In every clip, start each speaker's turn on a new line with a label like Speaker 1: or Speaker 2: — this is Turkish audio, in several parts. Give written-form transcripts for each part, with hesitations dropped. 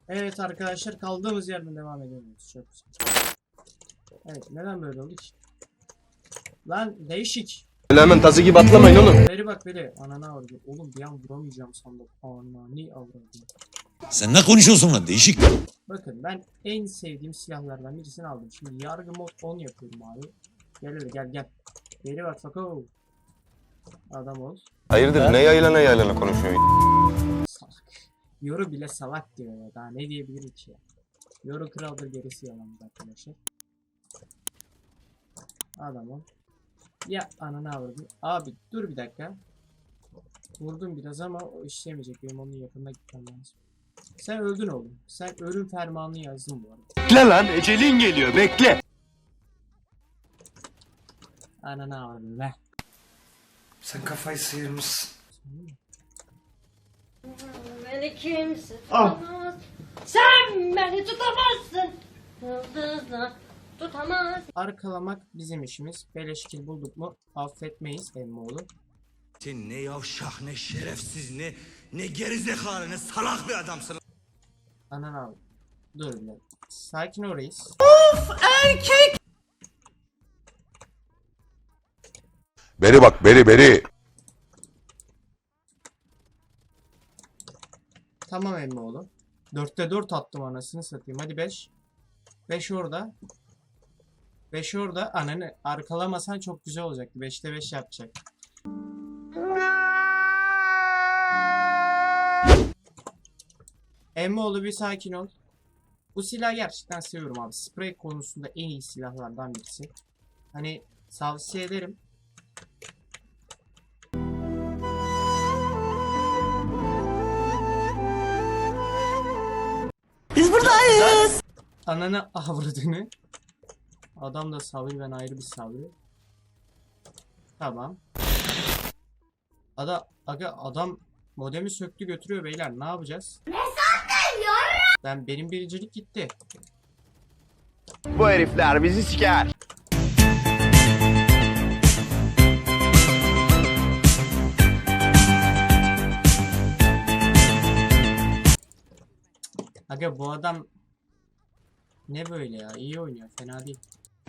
Speaker 1: Evet arkadaşlar, kaldığımız yerden devam ediyoruz. Çok güzel. Evet, neden böyle oldu ki? Lan değişik.
Speaker 2: Öyle hemen tazı gibi atlamayın oğlum.
Speaker 1: Beri bak beri. Anana avradı. Oğlum bir an vuramayacağım sandım. Anani avradı.
Speaker 3: Sen ne konuşuyorsun lan değişik?
Speaker 1: Bakın ben en sevdiğim silahlardan birisini aldım. Şimdi yargı mod 10 yapıyorum abi. Gel öyle gel. Beri bak fako. Adam ol.
Speaker 2: Hayırdır ne yaylana konuşuyorsun?
Speaker 1: Salak. Yoru bile salak diyor ya. Daha ne diyebilirim ki ya. Yoru kraldır, gerisi yalan arkadaşlar. Adam ol. Ya ananı avradım. Abi dur bir dakika. Vurdum biraz ama o işlemeyecek. Benim onun yakınına gitmem lazım. Sen öldün oğlum. Sen ölüm fermanını yazdın bu arada.
Speaker 2: Bekle lan ecelin geliyor bekle.
Speaker 1: Ananı avradım ver.
Speaker 4: Sen kafayı sıyırmışsın.
Speaker 5: Beni kimse tutamaz. Sen beni tutamazsın. Yıldızla tutamaz.
Speaker 1: Arkalamak bizim işimiz. Beleş kill bulduk mu affetmeyiz emmoğlu.
Speaker 3: Sen ne yavşak ne şerefsiz ne gerizekalı ne salak bir adamsın.
Speaker 1: Ananı avradım. Dur bir dakika. Sakin ol reis.
Speaker 2: Beri bak beri.
Speaker 1: Tamam emmoğlu. 4'te 4 attım anasını satayım. Hadi 5. 5 orada. 5 orada. Ananı arkalamasan çok güzel olacaktı. 5'te 5 yapacak. Emmoğlu bir sakin ol. Bu silahı gerçekten seviyorum abi. Sprey konusunda en iyi silahlardan birisi. Hani tavsiye ederim.
Speaker 6: Biz buradayız.
Speaker 1: Ananı avradını. Adam da Sabri, ben ayrı bir Sabri. Tamam. Adam modemi söktü götürüyor beyler, ne yapacağız? Ne sandın ya? Benim birincilik gitti.
Speaker 2: Bu herifler bizi siker.
Speaker 1: Aga bu adam ne böyle ya? İyi oynuyor, fena değil.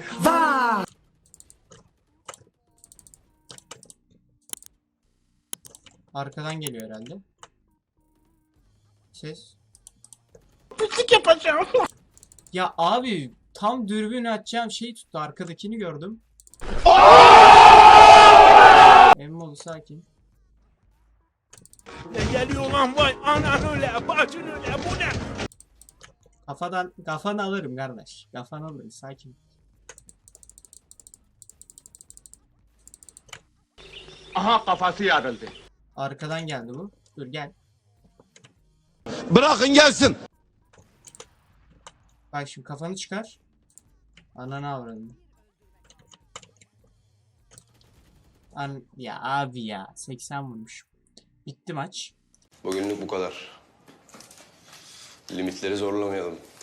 Speaker 1: Arkadan geliyor herhalde. Ses. Pislik yapacağım. Ya abi tam dürbün açacağım şey tuttu, arkadakini gördüm. Emmoğlu sakin.
Speaker 7: Ne geliyor lan vay anan öyle bacın öyle bu ne?
Speaker 1: Kafanı alırım kardeş. Kafanı alırım, sakin.
Speaker 2: Aha kafası yarıldı.
Speaker 1: Arkadan geldi bu. Dur gel.
Speaker 2: Bırakın gelsin.
Speaker 1: Bak şimdi kafanı çıkar. Ananı avradım. Ya abi ya 80 vurmuş. Bitti maç.
Speaker 2: Bugünlük bu kadar. Limitleri zorlamayalım.